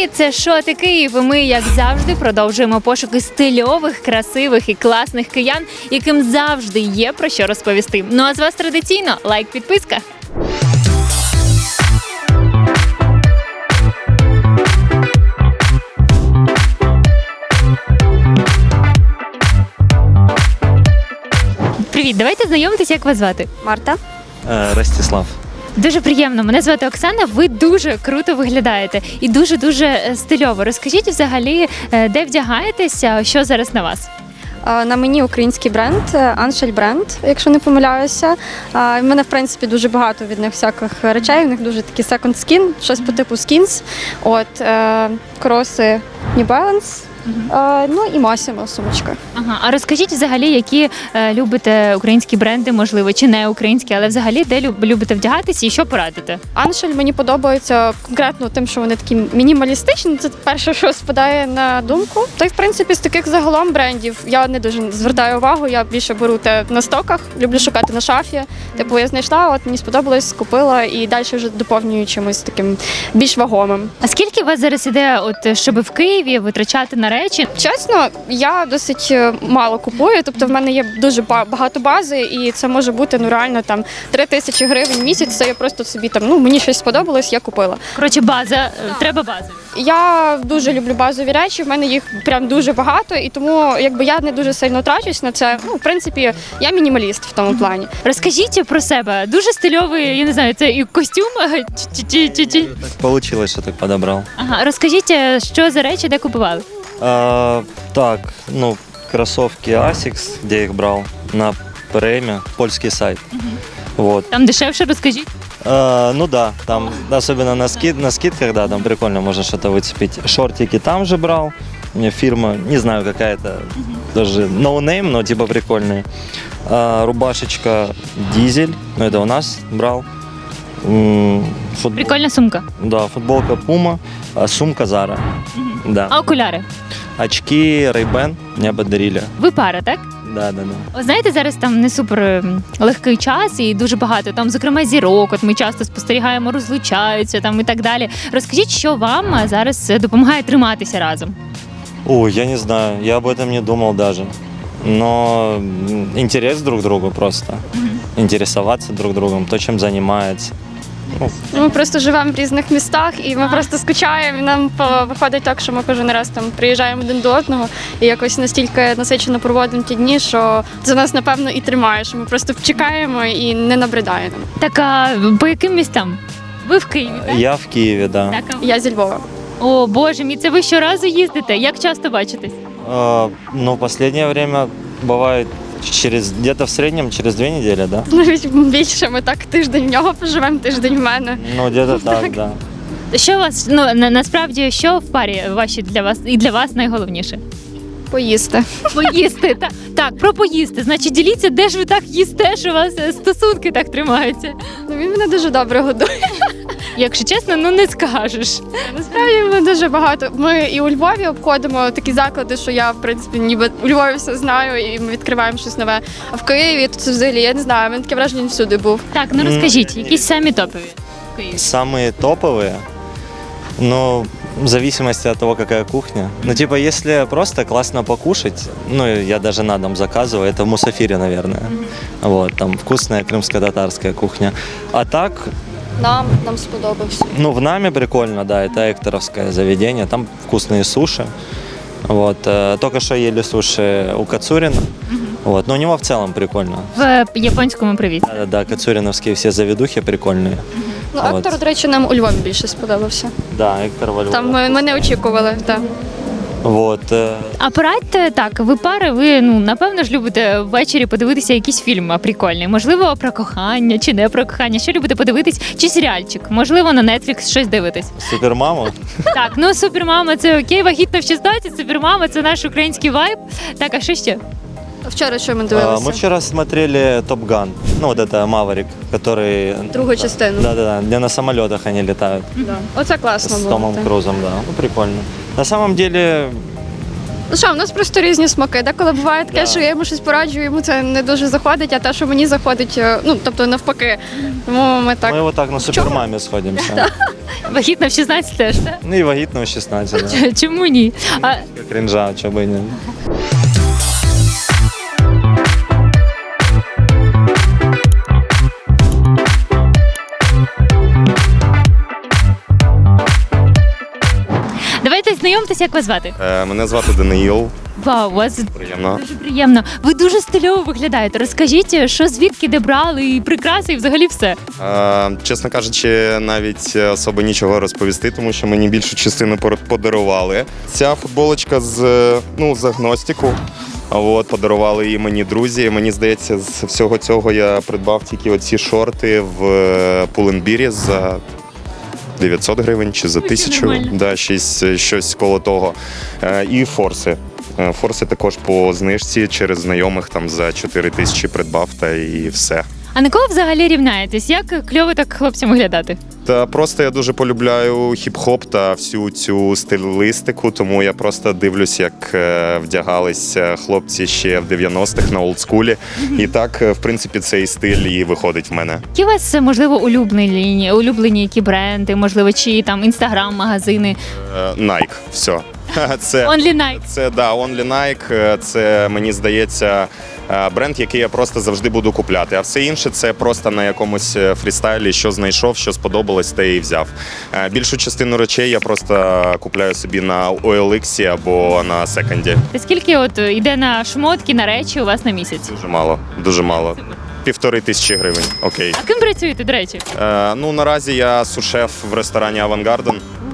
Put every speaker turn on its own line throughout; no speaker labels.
Привіт, це «Шоти Київ». І ми, як завжди, продовжуємо пошуки стильових, красивих і класних киян, яким завжди є про що розповісти. Ну а з вас традиційно лайк, підписка. Привіт, давайте знайомитися, як вас звати.
Марта.
Ростислав.
Дуже приємно. Мене звати Оксана. Ви дуже круто виглядаєте і дуже стильово. Розкажіть взагалі, де вдягаєтеся, що зараз на вас?
На мені український бренд, Аншель бренд, якщо не помиляюся. В мене, в принципі, дуже багато від них всяких речей. У них дуже такі second skin, щось по типу skins. Кроси New Balance. Ну і Massimo сумочка.
Ага. А розкажіть взагалі, які любите українські бренди, можливо, чи не українські, але взагалі де любите вдягатися і що порадите?
Аншель мені подобається конкретно тим, що вони такі мінімалістичні. Це перше, що спадає на думку. Та й в принципі з таких загалом брендів я не дуже звертаю увагу. Я більше беру те на стоках, люблю шукати на шафі. Типу я знайшла, от мені сподобалось, купила і далі вже доповнюю чимось таким більш вагомим.
А скільки у вас зараз іде, щоб в Києві витрачати на речі?
Чесно, я досить мало купую, тобто в мене є дуже багато бази, і це може бути реально 3 тисячі гривень в місяць. Це я просто собі мені щось сподобалось, я купила.
Коротше, база, треба бази.
Я дуже люблю базові речі, в мене їх прям дуже багато, і тому я не дуже сильно трачусь на це. В принципі, я мінімаліст в тому плані.
Розкажіть про себе. Дуже стильовий, я не знаю, це і костюм чи.
Так получилось, что так подобрал.
Ага, розкажіть, що за речі, де купували?
Кроссовки Asics, где я их брал, на Преме, польский сайт. Вот.
Там дешевше, розкажіть.
Там особенно на скидках, да, там прикольно можно что-то выцепить. Шортики там же брал, фирма, не знаю, какая-то, даже no name, но типа прикольные. Рубашечка Дизель, это у нас брал.
Прикольна сумка.
Да, футболка Puma, сумка Zara. Да.
А окуляри?
Очки Ray-Ban мне подарили.
Ви пара, так?
Да.
Ви знаєте, зараз там не супер легкий час і дуже багато, там, зокрема, зірок, от ми часто спостерігаємо, розлучаються там і так далі. Розкажіть, що вам зараз допомагає триматися разом?
Ой, я не знаю, я об этом не думал даже. Но интерес друг к другу просто. Интересоваться друг другом, то, чем занимается.
Ми просто живемо в різних містах, і ми просто скучаємо. І нам виходить так, що ми кожен раз приїжджаємо один до одного і якось настільки насичено проводимо ті дні, що це нас, напевно, і тримає, що ми просто чекаємо і не набридає нам.
Так, а по яким містам? Ви в Києві, так?
Я в Киеве, да.
Так, а...
Я зі Львова.
О, Боже мій, це ви щоразу їздите? Як часто бачитесь?
В последнее время бывает где-то в среднем через 2 недели, да?
Навіть більше, ми так тиждень в нього поживемо, тиждень в мене.
Где-то так, да.
Що у вас, насправді, що в парі ваші для вас найголовніше?
Поїсти.
Поїсти, так, про поїсти. Значить, діліться, де ж ви так їсте, що у вас стосунки так тримаються.
Він мене дуже добре годує.
Якщо чесно, не скажеш.
Насправді ми дуже багато. Ми і у Львові обходимо такі заклади, що я, в принципі, ніби у Львові все знаю, і ми відкриваємо щось нове. А в Києві то це взагалі, я не знаю, він таке враження, він всюди був.
Так, розкажіть, якісь самі топові в Києві?
Самые топовые? В зависимости от того, какая кухня. Если просто классно покушать, я даже на дом заказываю, это в Мусафире, наверное. Там вкусная крымско-татарская кухня. А так...
Нам сподобався.
В Наме прикольно, да, это экторовское заведение, там вкусные суши. Только что ели суши у Кацурина. Но у него в целом прикольно.
В японському привіт.
Да, кацуриновские все заведухи прикольные.
Ектор, до речі, нам у Львові більше сподобався.
Да, Ектор во Львові.
Там ми не очікували, так.
А порадьте, так, ви пари, ви, напевно ж любите ввечері подивитися якийсь фільм прикольний. Можливо, про кохання чи не про кохання. Що любите подивитись? Чи серіальчик? Можливо, на Netflix щось дивитесь?
Супермама?
Так, Супермама це окей, вагітна в 16, Супермама це наш український вайб. Так, а що ще?
Вчора що ми дивилися?
Мы вчера смотрели Top Gun. Это Маврик, который...
Другу частину.
Да, где на самолетах они летают.
Да. Оце класно
С
було.
Томом Крузом, да. Прикольно. На самом деле,
Ну що, у нас просто різні смаки. Деколи буває таке,
Да.
що я йому щось пораджу, йому це не дуже заходить, а те, що мені заходить, ну, тобто навпаки. Тому ми так.
Мы вот так на супермаме сходимся.
Вагітна в 16 теж, так?
Ну и вагитного 16, да.
Чому ні? А
Кринжа, чё бы и не.
давайте знайомтеся, як вас звати.
Мене звати Даниїл.
Вау, у вас
Приємно.
дуже приємно. Ви дуже стильово виглядаєте. Розкажіть, що звідки де брали, і прикраси, і взагалі все.
Чесно кажучи, навіть особо нічого розповісти, тому що мені більшу частину подарували. Ця футболочка з агностіку. От, подарували її мені друзі. Мені здається, з всього цього я придбав тільки оці шорти в Pull&Bear за 900 гривень чи за 1000,
нормально.
да, щось коло того. І форси. Форси також по знижці через знайомих там за 4 тисячі придбав та і все.
А на кого взагалі рівняєтесь? Як кльово так хлопцям виглядати?
Та просто я дуже полюбляю хіп-хоп та всю цю стилістику, тому я просто дивлюсь, як вдягалися хлопці ще в 90-х на олдскулі. І так, в принципі, цей стиль і виходить в мене.
Які у вас, можливо, улюблені які бренди, можливо, чи там інстаграм-магазини?
Nike, все. Це
Only Nike.
Це Only Nike, це, мені здається, бренд, який я просто завжди буду купляти. А все інше це просто на якомусь фрістайлі, що знайшов, що сподобалось, те і взяв. Більшу частину речей я просто купляю собі на OLX або на секонді.
Та скільки от йде на шмотки, на речі у вас на місяць?
Дуже мало, дуже мало. 1500 гривень, окей.
А ким працюєте, до речі?
Ну, наразі я сушеф в ресторані Авангарден.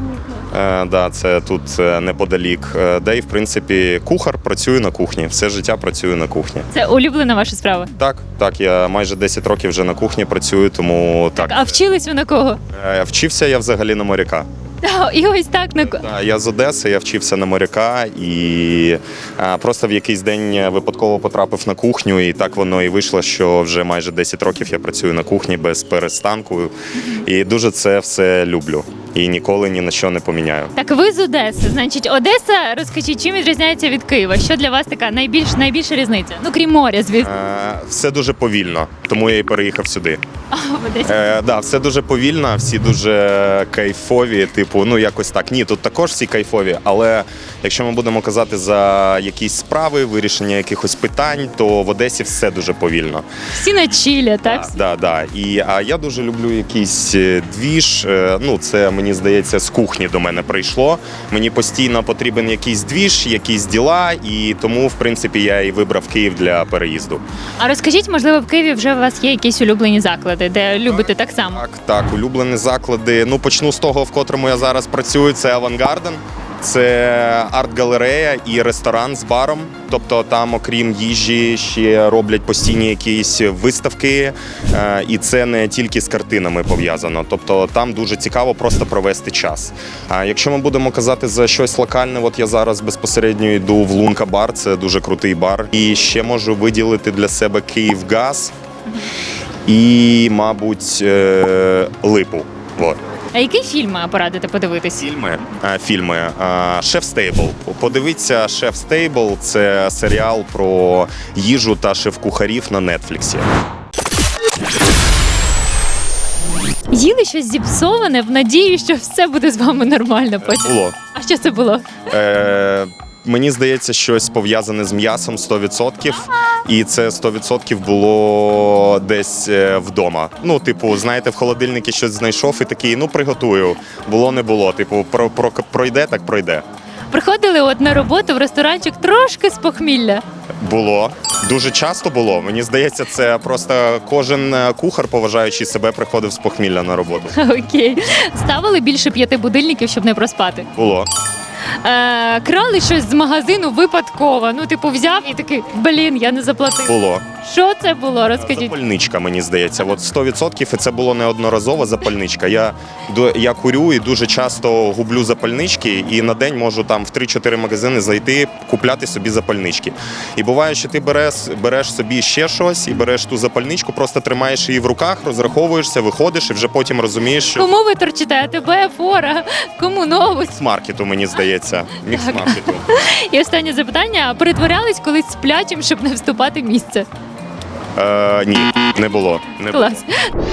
Да, це тут неподалік. Де і, в принципі, кухар, працюю на кухні. Все життя працюю на кухні.
Це улюблена ваша справа.
Так, я майже 10 років вже на кухні працюю, тому так.
А вчились ви на кого?
Вчився я взагалі на моряка.
І ось так на
Да, я з Одеси, я вчився на моряка і просто в якийсь день випадково потрапив на кухню, і так воно і вийшло, що вже майже 10 років я працюю на кухні без перестанку. І дуже це все люблю. І ніколи ні на що не поміняю.
Так, ви з Одеси. Значить, Одеса, розкажіть, чим відрізняється від Києва? Що для вас така найбільша різниця? Ну, крім моря, звісно.
Все дуже повільно, тому я і переїхав сюди.
В Одесі.
Да, все дуже повільно, всі дуже кайфові, типу, ну якось так. Ні, тут також всі кайфові, але якщо ми будемо казати за якісь справи, вирішення якихось питань, то в Одесі все дуже повільно.
Всі на чілі, так?
Да. А я дуже люблю якийсь двіж. Ну, це, мені здається, з кухні до мене прийшло. Мені постійно потрібен якийсь двіж, якісь діла, і тому, в принципі, я і вибрав Київ для переїзду.
А розкажіть, можливо, в Києві вже у вас є якісь улюблені заклади, де любите так само?
Так, улюблені заклади. Ну, почну з того, в котрому я зараз працюю, це Авангарден. Це арт-галерея і ресторан з баром. Тобто там, окрім їжі, ще роблять постійні якісь виставки. І це не тільки з картинами пов'язано. Тобто там дуже цікаво просто провести час. А якщо ми будемо казати за щось локальне, от я зараз безпосередньо йду в Лунка бар, це дуже крутий бар. І ще можу виділити для себе Київгаз і, мабуть, Липу. Вот.
А який фільм порадите подивитись?
Фільми. Шеф Стейбл. Подивіться Шеф Стейбл. Це серіал про їжу та шеф-кухарів на Нетфліксі.
Їли щось зіпсоване в надії, що все буде з вами нормально потім.
Було.
А що це було?
Мені здається, щось пов'язане з м'ясом 100%. І це 100% було десь вдома. Ну, типу, знаєте, в холодильнику щось знайшов і такий, ну, приготую. Було, не було. Типу, пройде, так пройде.
Приходили от на роботу в ресторанчик трошки з похмілля.
Було. Дуже часто було. Мені здається, це просто кожен кухар, поважаючи себе, приходив з похмілля на роботу.
Окей. Ставили більше 5 будильників, щоб не проспати.
Було.
Крали щось з магазину випадково. Ну, типу, взяв і такий, блін, я не заплатив.
Було.
Що це було? Розкажіть.
Запальничка, мені здається. От 100%, і це було неодноразово запальничка. Я курю і дуже часто гублю запальнички, і на день можу там в 3-4 магазини зайти, купляти собі запальнички. І буває, що ти береш собі ще щось і береш ту запальничку, просто тримаєш її в руках, розраховуєшся, виходиш і вже потім розумієш, що
Кому ви торчите? АТБ, Фора? Кому нову?
мікс-маркету, мені здається. Мікс-маркету.
І останнє запитання. Перетворялись колись сплячим, щоб не вступати в місце?
Ні, не було.
Клас.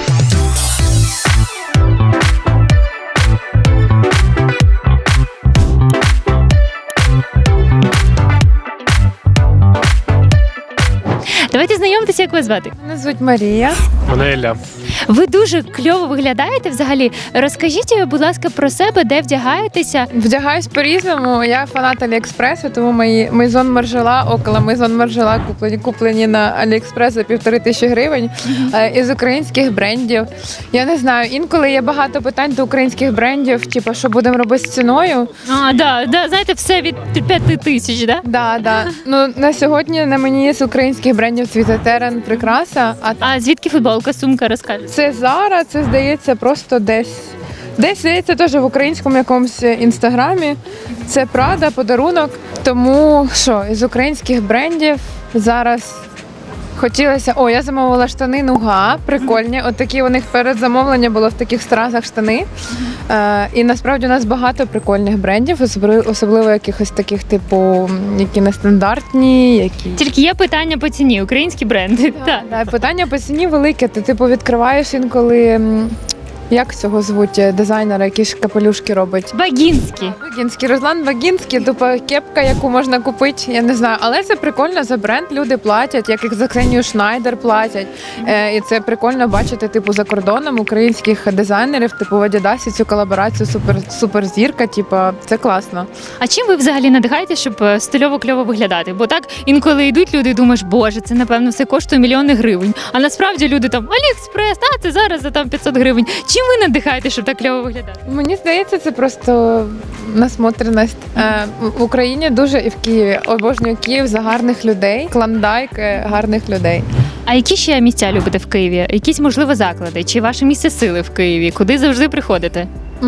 Давайте знайомитися, як вас звати.
Мене звуть Марія.
Мене Ілля.
Ви дуже кльово виглядаєте взагалі. Розкажіть, будь ласка, про себе, де вдягаєтеся.
Вдягаюсь по-різному. Я фанат Аліекспресу, тому мої Мейзон Маржела, около Мейзон Маржела куплені на Аліекспрес за 1500 гривень. Із українських брендів. Я не знаю, інколи є багато питань до українських брендів, типу, що будемо робити з ціною.
Да, знаєте, все від 5000, да?
Да. Ну, на сьогодні на мені з українських брендів цвіте терен, прикраса.
А звідки футболка, сумка, розкажете?
Це Zara, це, здається, просто десь. Десь, здається, теж в українському якомусь інстаграмі. Це Prada, подарунок. Тому що, із українських брендів зараз хотілося... О, я замовила штани Нуга, прикольні. От такі у них перед замовленням було в таких стразах штани. І насправді у нас багато прикольних брендів, особливо якихось таких, типу, які нестандартні, які...
Тільки є питання по ціні, українські бренди. Так.
Да, питання по ціні велике. Ти типу відкриваєш інколи. Як цього звуть дизайнера, який ж капелюшки робить?
Багінські.
Багінський, Руслан Багінський, тупо кепка, яку можна купити, я не знаю. Але це прикольно, за бренд люди платять, як і за Ксенію Шнайдер платять. І це прикольно бачити, типу, за кордоном українських дизайнерів, типу в Адідасі цю колаборацію суперзірка, типу, це класно.
А чим ви взагалі надихаєте, щоб стильово кльово виглядати? Бо так інколи йдуть люди і думаєш, боже, це напевно все коштує мільйони гривень. А насправді люди там Аліекспрес, це зараз за там 500 гривень. Чим ви надихаєте, щоб так кльово виглядати?
Мені здається, це просто насмотреність. В Україні дуже і в Києві. Обожнюю Київ за гарних людей, клондайк гарних людей.
А які ще місця любите в Києві? Якісь, можливо, заклади? Чи ваше місце сили в Києві? Куди завжди приходите?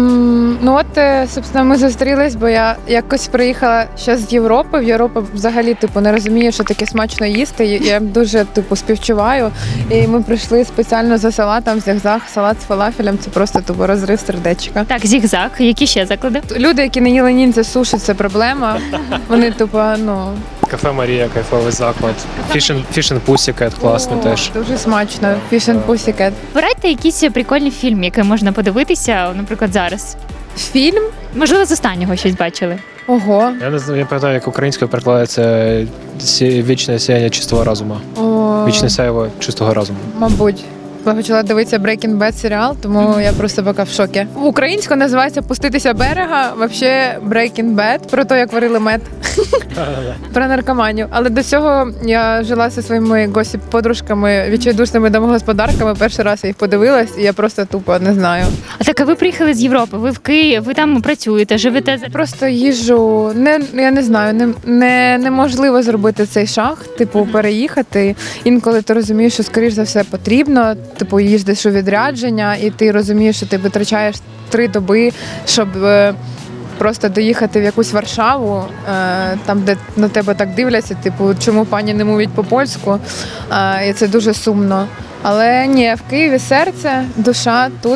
Ну от, собственно, ми зустрілись, бо я якось приїхала ще з Європи. В Європі взагалі, типу, не розумію, що таке смачно їсти. Я дуже, типу, співчуваю. І ми прийшли спеціально за салатом, зігзаг, салат з фалафелем. Це просто, типу, розрив сердечка.
Так, зігзаг. Які ще заклади?
Люди, які не їли ніндзя суші, це проблема. Вони, типу,
Кафе Марія, кайфовий заклад. Фішн Пусікет, класний теж.
Дуже смачно. Fish and Pussycat.
Вибирайте якісь прикольні фільми, які можна подивитися, наприклад, зараз.
Фільм?
Можливо, з останнього щось бачили.
Ого.
Я не знаю, я пам'ятаю, як українською перекладається «Вічне сяєння чистого розуму».
О,
Вічне сяєво чистого розуму.
мабуть. Я почала дивитися Breaking Bad серіал, тому я просто поки в шокі. Українською називається «Пуститися берега», взагалі Breaking Bad, про те, як варили мед. Про наркоманію. Але до цього я жила зі своїми госіп-подружками, відчайдушними домогосподарками. Перший раз я їх подивилась, і я просто тупо не знаю.
А так, а ви приїхали з Європи, ви в Києві, ви там працюєте, живете.
Просто їжджу, я не знаю, неможливо зробити цей шаг, типу переїхати. Інколи ти розумієш, що скоріш за все потрібно, типу їздиш у відрядження, і ти розумієш, що ти витрачаєш 3 доби, щоб просто доїхати в якусь Варшаву, там, де на тебе так дивляться, типу, чому пані не мовить по-польську, і це дуже сумно. Але ні, в Києві серце, душа тут.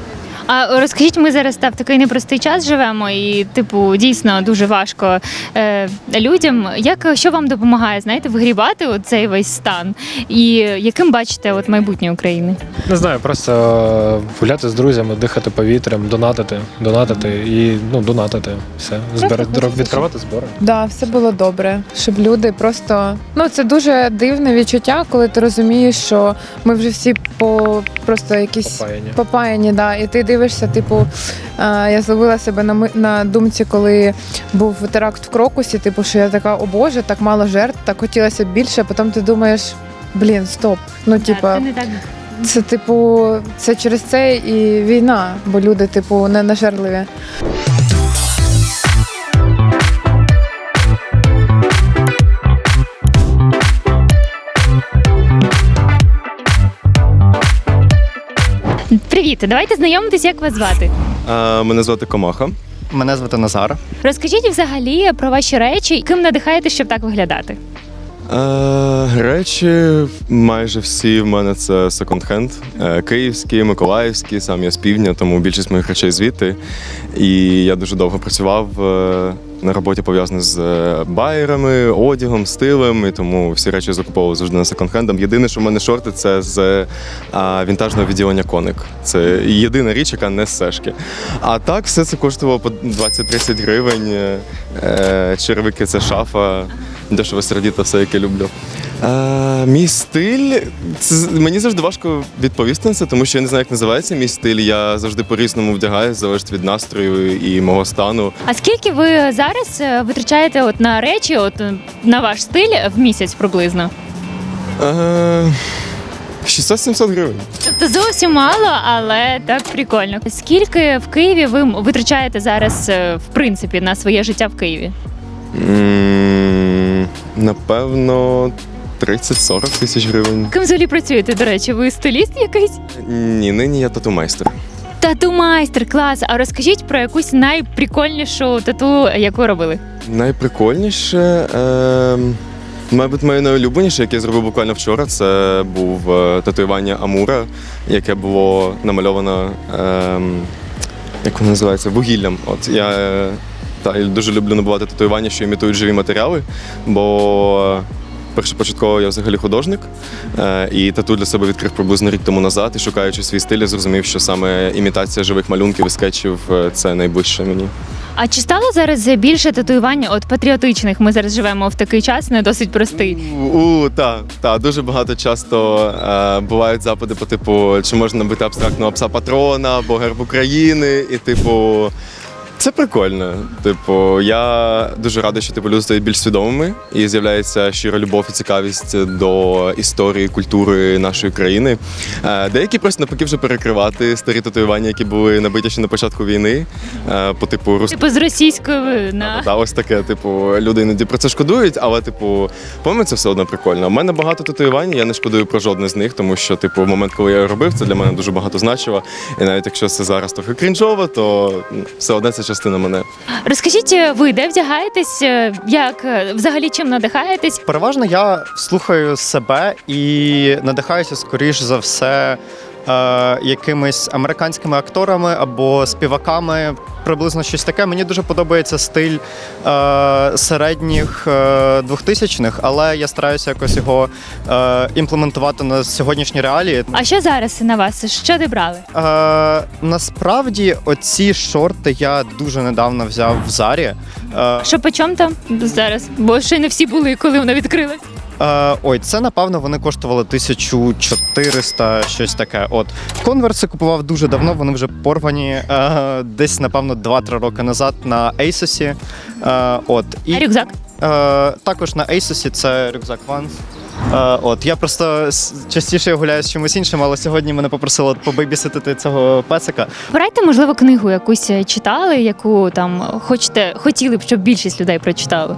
А розкажіть, ми зараз в такий непростий час живемо, і типу дійсно дуже важко людям. Що вам допомагає, знаєте, вигрібати цей весь стан? І яким бачите майбутнє України?
Не знаю, просто гуляти з друзями, дихати повітрям, донатити і донатити. Все. Відкривати збори.
Да, все було добре, щоб люди просто... це дуже дивне відчуття, коли ти розумієш, що ми вже всі просто якісь попаяні, да, і ти дивишся, типу, я зловила себе на думці, коли був теракт в Крокусі, типу, що я така, о Боже, так мало жертв, так хотілося б більше, а потім ти думаєш, стоп,
Це не так.
Це, типу, це через це і війна, бо люди, типу, не нажерливі.
Привіт, давайте знайомитись, як вас звати.
Мене звати Комаха.
Мене звати Назар.
Розкажіть взагалі про ваші речі, ким надихаєте, щоб так виглядати.
Речі майже всі в мене це секонд-хенд. Київські, миколаївські, сам я з півдня, тому більшість моїх речей звідти. І я дуже довго працював на роботі пов'язані з байерами, одягом, стилем, і тому всі речі закуповував завжди на секонд-хендом. Єдине, що в мене шорти, це з вінтажного відділення Коник. Це єдина річ, яка не з Сешки. А так, все це коштувало по 20-30 гривень. Черевики – це шафа. Дешево сердіто, все, яке люблю. Мій стиль, мені завжди важко відповісти на це, тому що я не знаю, як називається мій стиль. Я завжди по-різному вдягаюся, залежить від настрою і мого стану.
А скільки ви зараз витрачаєте от на речі, от на ваш стиль в місяць приблизно?
600-700 гривень.
Тобто зовсім мало, але так прикольно. Скільки в Києві ви витрачаєте зараз, в принципі, на своє життя в Києві?
Напевно, 30-40 тисяч гривень.
Ким взагалі працюєте, до речі? Ви стиліст якийсь?
Ні, нині я тату-майстер.
Тату-майстер, клас. А розкажіть про якусь найприкольнішу тату, яку робили.
Найприкольніше, мабуть, моє найулюбленіше, яке я зробив буквально вчора, це був татуювання Амура, яке було намальовано, як воно називається, вугіллям. От я дуже люблю набувати татуювання, що імітують живі матеріали, бо першопочатково я взагалі художник, і тату для себе відкрив приблизно рік тому назад, і шукаючи свій стиль, я зрозумів, що саме імітація живих малюнків і скетчів – це найближче мені.
А чи стало зараз більше татуювань от патріотичних? Ми зараз живемо в такий час, не досить простий.
Так, дуже багато часто бувають запити по типу, чи можна набити абстрактного пса-патрона або герб України, і типу, це прикольно. Типу, я дуже радий, що люди стають більш свідомими і з'являється щира любов і цікавість до історії, культури нашої країни. Деякі просто навпаки вже перекривати старі татуювання, які були набиті ще на початку війни. По типу
З російською на
ось таке. Типу, люди іноді про це шкодують, але по-моєму, це все одно прикольно. У мене багато татуювань, я не шкодую про жодне з них, тому що в момент, коли я робив, це для мене дуже багато значило. І навіть якщо це зараз трохи крінжово, то все одне це частина мене.
Розкажіть, ви де вдягаєтесь? Як взагалі чим надихаєтесь?
Переважно я слухаю себе і надихаюся, скоріш за все, якимись американськими акторами або співаками. Приблизно щось таке. Мені дуже подобається стиль середніх 2000-х, але я стараюся якось його імплементувати на сьогоднішні реалії.
А що зараз на вас? Що ти брали?
Насправді, оці шорти я дуже недавно взяв в Зарі.
Що по чому там зараз? Бо ще не всі були, коли вона відкрилась.
Це, напевно, вони коштували 1400, щось таке. Конверси купував дуже давно, вони вже порвані десь, напевно, 2-3 роки назад на ASOS.
А рюкзак?
Також на ASOS це рюкзак Vans. Я просто частіше гуляю з чимось іншим, але сьогодні мене попросили побейбіситити цього песика.
Порадьте, можливо, книгу якусь читали, яку там хотіли б, щоб більшість людей прочитали.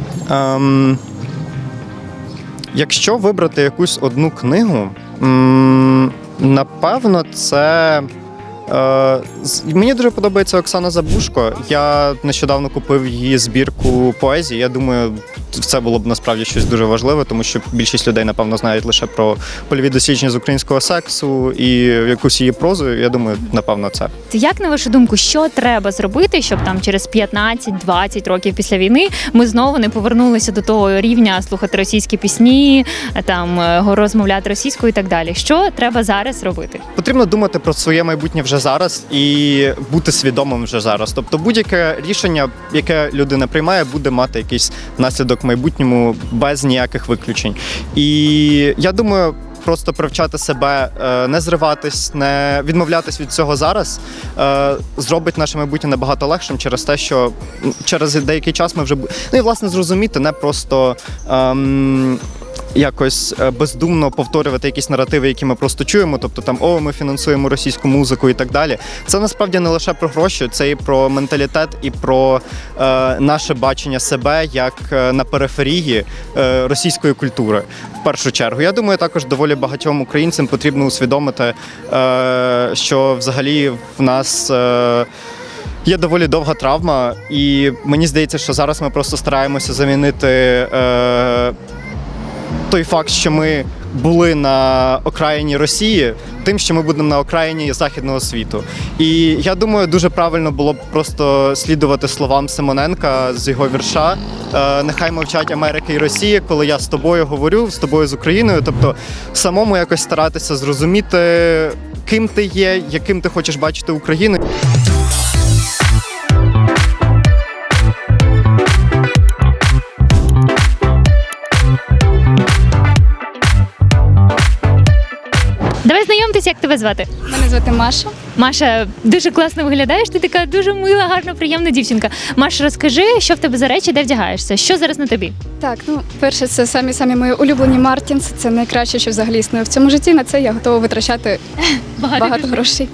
Якщо вибрати якусь одну книгу, напевно, це... Мені дуже подобається Оксана Забушко. Я нещодавно купив її збірку поезії. Я думаю, це було б насправді щось дуже важливе, тому що більшість людей, напевно, знають лише про польові дослідження з українського сексу і якусь її прозу. Я думаю, напевно, це.
Як, на вашу думку, що треба зробити, щоб там через 15-20 років після війни ми знову не повернулися до того рівня слухати російські пісні, там розмовляти російською і так далі? Що треба зараз робити?
Потрібно думати про своє майбутнє вже зараз і бути свідомим вже зараз. Тобто будь-яке рішення, яке людина приймає, буде мати якийсь наслідок в майбутньому без ніяких виключень. І я думаю, просто привчати себе, не зриватись, не відмовлятись від цього зараз, зробить наше майбутнє набагато легшим через те, що через деякий час ми вже... Ну і, власне, зрозуміти, не просто якось бездумно повторювати якісь наративи, які ми просто чуємо, тобто там ми фінансуємо російську музику і так далі. Це насправді не лише про гроші, це і про менталітет, і про наше бачення себе як на периферії російської культури. В першу чергу. Я думаю, також доволі багатьом українцям потрібно усвідомити, що взагалі в нас є доволі довга травма, і мені здається, що зараз ми просто стараємося замінити той факт, що ми були на окраїні Росії, тим, що ми будемо на окраїні західного світу. І я думаю, дуже правильно було б просто слідувати словам Симоненка з його вірша «Нехай мовчать Америка і Росія, коли я з тобою говорю, з тобою з Україною». Тобто самому якось старатися зрозуміти, ким ти є, яким ти хочеш бачити Україну.
Давай знайомтеся, як тебе звати.
Мене звати Маша.
Маша, дуже класно виглядаєш, ти така дуже мила, гарна, приємна дівчинка. Маша, розкажи, що в тебе за речі, де вдягаєшся? Що зараз на тобі?
Так, перше, це самі мої улюблені Мартінс. Це найкраще, що взагалі існує в цьому житті. На це я готова витрачати багато грошей.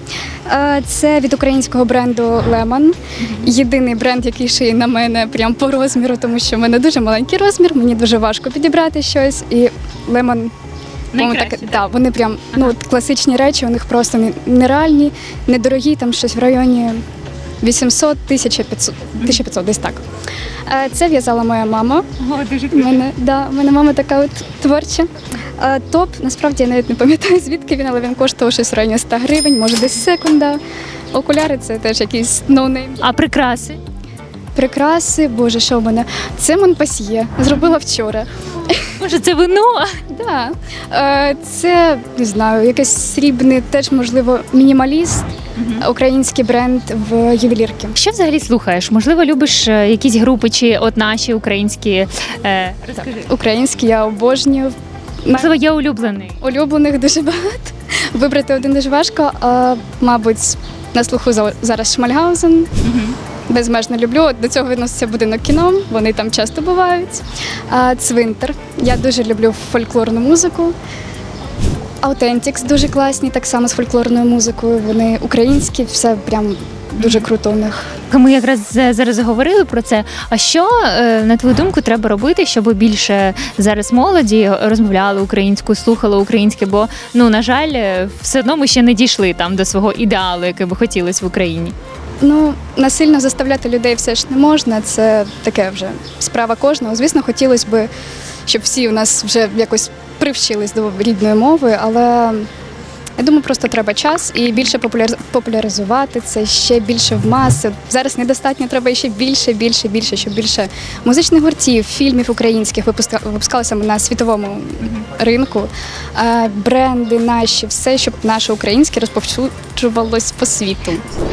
Це від українського бренду Lemon. Єдиний бренд, який шиє на мене прям по розміру, тому що в мене дуже маленький розмір, мені дуже важко підібрати щось. І Lemon вони прям класичні речі, у них просто нереальні, недорогі, там щось в районі 800, 1500, десь так. Це в'язала моя мама.
Дуже
У мене мама така от творча. Топ, насправді я навіть не пам'ятаю, звідки він, але він коштував щось в районі 100 гривень, може десь секунда. Окуляри це теж якийсь ноунейм.
А прикраси?
Прикраси, боже, що в мене? Це Монпасьє, зробила вчора.
Може, це вино?
Так. Це, не знаю, якийсь срібний, теж, можливо, мінімаліст, український бренд в ювелірки.
Що взагалі слухаєш? Можливо, любиш якісь групи чи от наші українські? Розкажи.
Українські я обожнюю.
Можливо, є улюблений?
Улюблених дуже багато. Вибрати один дуже важко. Мабуть, на слуху зараз Шмальгаузен. Безмежно люблю. До цього відноситься будинок кіно, вони там часто бувають. Цвинтар. Я дуже люблю фольклорну музику. Аутентікс дуже класні, так само з фольклорною музикою. Вони українські, все прям дуже круто у них.
Ми якраз зараз говорили про це. А що, на твою думку, треба робити, щоб більше зараз молоді розмовляли українською, слухали українське? Бо, на жаль, все одно ми ще не дійшли там до свого ідеалу, який би хотілося в Україні.
Насильно заставляти людей все ж не можна, це таке вже справа кожного. Звісно, хотілося б, щоб всі у нас вже якось привчились до рідної мови, але я думаю, просто треба час і більше популяризувати це, ще більше в маси. Зараз недостатньо, треба ще більше, щоб більше музичних гуртів, фільмів українських випускалося на світовому ринку. Бренди наші, все, щоб наше українське розповсюджувалось по світу.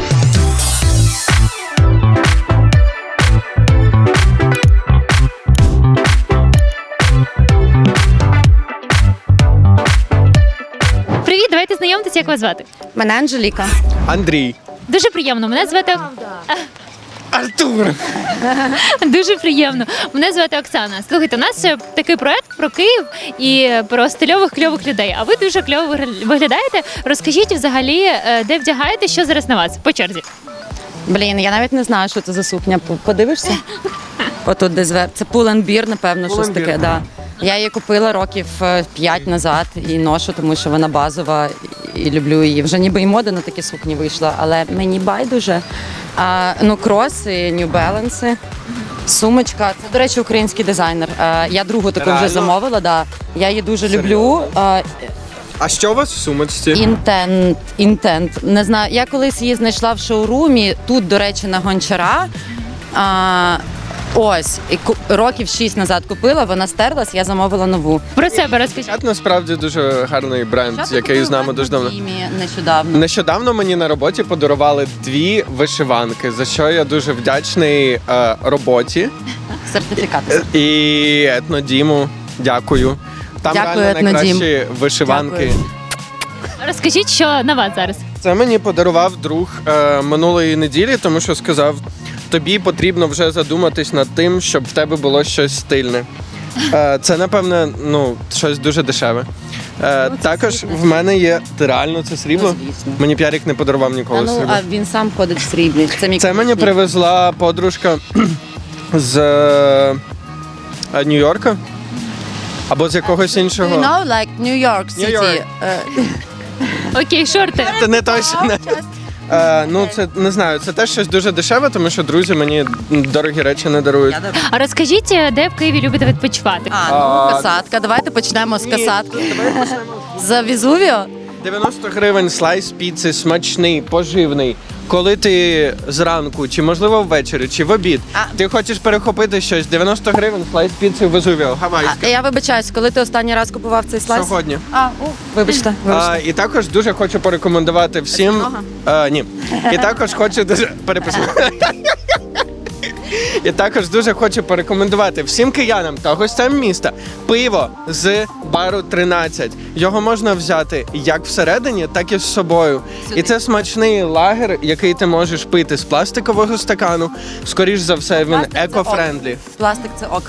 Привіт, давайте знайомитися, як вас звати?
Мене Анжеліка.
Андрій.
Дуже приємно. Мене звати
Артур.
Дуже приємно. Мене звати Оксана. Слухайте, у нас такий проект про Київ і про стильових кльових людей. А ви дуже кльово виглядаєте. Розкажіть взагалі, де вдягаєте, що зараз на вас по черзі?
Блін, я навіть не знаю, що це за сукня. Подивишся? Отут десь це Pull&Bear, напевно, щось таке. Да. Я її купила років 5 назад і ношу, тому що вона базова і люблю її. Вже ніби і мода на такі сукні вийшла, але мені байдуже. Кроси, New Balance, сумочка. Це, до речі, український дизайнер. Я другу таку вже замовила, да. Я її дуже люблю.
А що у вас в сумочці?
Інтент. Не знаю, я колись її знайшла в шоурумі, тут, до речі, на Гончара. Ось, років 6 назад купила, вона стерлась, я замовила нову.
Про себе розкажіть.
Це насправді дуже гарний бренд, який з нами дуже давно.
Нещодавно.
Нещодавно мені на роботі подарували 2 вишиванки, за що я дуже вдячний роботі.
Сертифікат.
І Етнодіму. Дякую. Там
Дякую,
реально найкращі
Етнодім.
вишиванки.
Дякую.
Розкажіть, що на вас зараз?
Це мені подарував друг минулої неділі, тому що сказав, тобі потрібно вже задуматись над тим, щоб в тебе було щось стильне. Це, напевне, щось дуже дешеве. Також в мене є реально це срібло.
звісно.
Мені П'ярік не подарував ніколи срібло.
А він сам ходить в сріблі.
Це мені привезла подружка з Нью-Йорка або з якогось іншого.
like New York City.
Нью-Йорк.
Окей, шорти.
Це не точно. Це не знаю, це теж щось дуже дешеве, тому що друзі мені дорогі речі не дарують.
А розкажіть, де в Києві любите відпочивати?
Касатка. Давайте почнемо з касатки. За Везувіо?
90 гривень слайс піци, смачний, поживний. Коли ти зранку, чи можливо ввечері, чи в обід, ти хочеш перехопити щось, 90 гривень слайс піци в Везувіо, гавайське.
Я вибачаюсь, коли ти останній раз купував цей слайс?
Сьогодні.
Вибачте.
І також дуже хочу порекомендувати всім. Ні. І також хочу дуже переписати. І також дуже хочу порекомендувати всім киянам та гостям міста пиво з бару 13. Його можна взяти як всередині, так і з собою. І це смачний лагер, який ти можеш пити з пластикового стакану. Скоріш за все, він еко-френдлі.
Пластик це ок.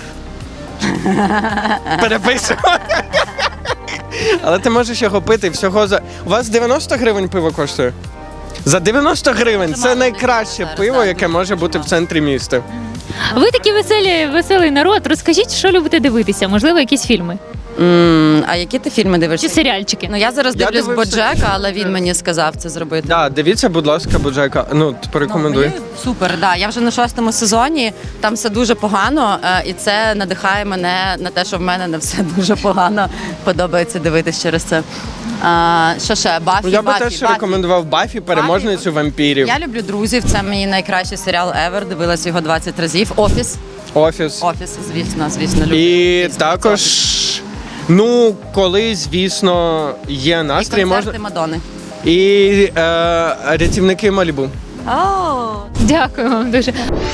Переписую. Але ти можеш його пити всього за... У вас 90 гривень пиво коштує? За 90 гривень це найкраще пиво, яке може бути в центрі міста.
Ви такі веселий народ. Розкажіть, що любите дивитися? Можливо, якісь фільми
А які ти фільми дивишся?
чи серіальчики?
Я зараз
Я
дивлюсь
дивився
Боджека, але він мені сказав це зробити.
Дивіться, будь ласка, Боджека. Порекомендуй.
Супер, я вже на 6-му сезоні, там все дуже погано, і це надихає мене на те, що в мене не все дуже погано. Подобається дивитись через це. Що ще? Баффі,
Я би теж рекомендував Баффі, переможницю вампірів.
Я люблю друзів, це мій найкращий серіал ever, дивилась його 20 разів. Офіс, звісно, люблю.
І також, коли, звісно, є настрій,
І
можна.
концерти Мадонни.
І рятівники Малібу.
Дякую вам дуже.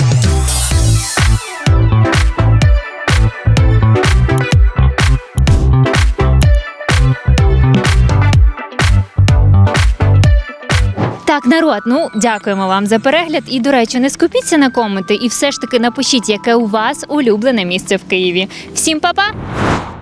Так, народ, дякуємо вам за перегляд. І, до речі, не скупіться на коменти і все ж таки напишіть, яке у вас улюблене місце в Києві. Всім па-па!